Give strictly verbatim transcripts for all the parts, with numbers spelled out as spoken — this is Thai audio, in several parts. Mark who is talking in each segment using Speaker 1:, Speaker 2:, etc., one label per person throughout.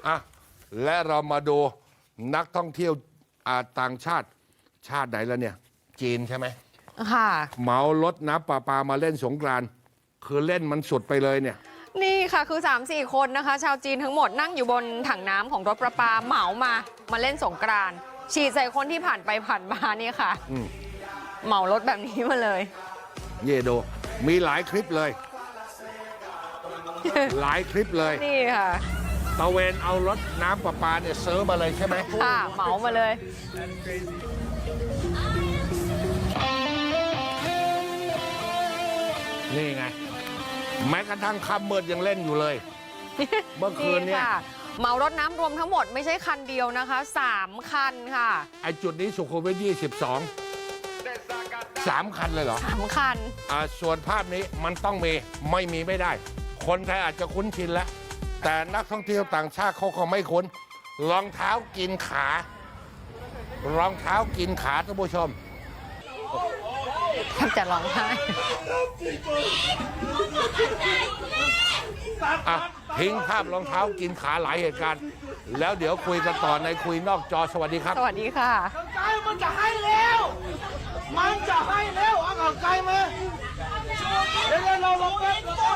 Speaker 1: อ่ะและเรามาดูนักท่องเที่ยวต่างชาติชาติไหนแล้วเนี่ยจีนใช่ไหม
Speaker 2: ค่ะ
Speaker 1: เหมารถน้ำประปามาเล่นสงกรานต์คือเล่นมันสุดไปเลยเนี่ย
Speaker 2: นี่ค่ะคือ สามสี่ คนนะคะชาวจีนทั้งหมดนั่งอยู่บนถังน้ำของรถประปาเหมามามาเล่นสงกรานต์ฉีดใส่คนที่ผ่านไปผ่านมานี่ค่ะเหมารถแบบนี้มาเลย
Speaker 1: เยโดมีหลายคลิปเลย หลายคลิปเลย
Speaker 2: นี่ค่ะ
Speaker 1: ตะเวนเอารถน้ำประปาเนี่ยเซิร์ฟมาเลยใช่ไหม
Speaker 2: ค่ะเหมามาเลย
Speaker 1: นี่ไงแม้กระทั่งค่ำมืดยังเล่นอยู่เลย เมื่อคืนเนี่ย
Speaker 2: เหมารถน้ำรวมทั้งหมดไม่ใช่คันเดียวนะคะสามคันค่ะ
Speaker 1: ไอจุดนี้สุขุมวิทยี่สิบสองสามคันเลยเหรอ
Speaker 2: สามคัน
Speaker 1: อ่าส่วนภาพนี้มันต้องมีไม่มีไม่ได้คนไทยอาจจะคุ้นชินแล้วแต่นักท่องเที่ยวต่างชาติเขาคงไม่คุ้นรองเท้ากินขารองเท้ากินขาท่านผู้ชม
Speaker 2: แทบจะร้องไห้
Speaker 1: อ่ะทิ้งภาพรองเท้ากินขาหลายเหตุการณ์แล้วเดี๋ยวคุยกันต่อในคุยนอกจอสวัสดีครับ
Speaker 2: สวัสดีค่ะ
Speaker 3: ไกลมันจะให้แล้วมันจะให้แล้วเอาไกลมาเดี๋ยวเราลงไป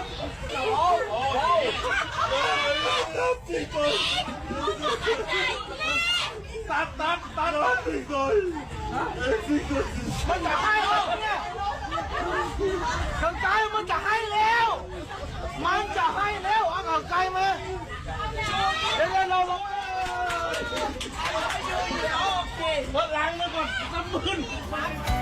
Speaker 3: ตัดตัดตัดมันจะให้แล้วเนี่ยไกลมันจะให้แล้วมันจะให้แล้วเอาไกลมาเดี๋ยวเราลงรถล้างมาก่อนน้ำมืน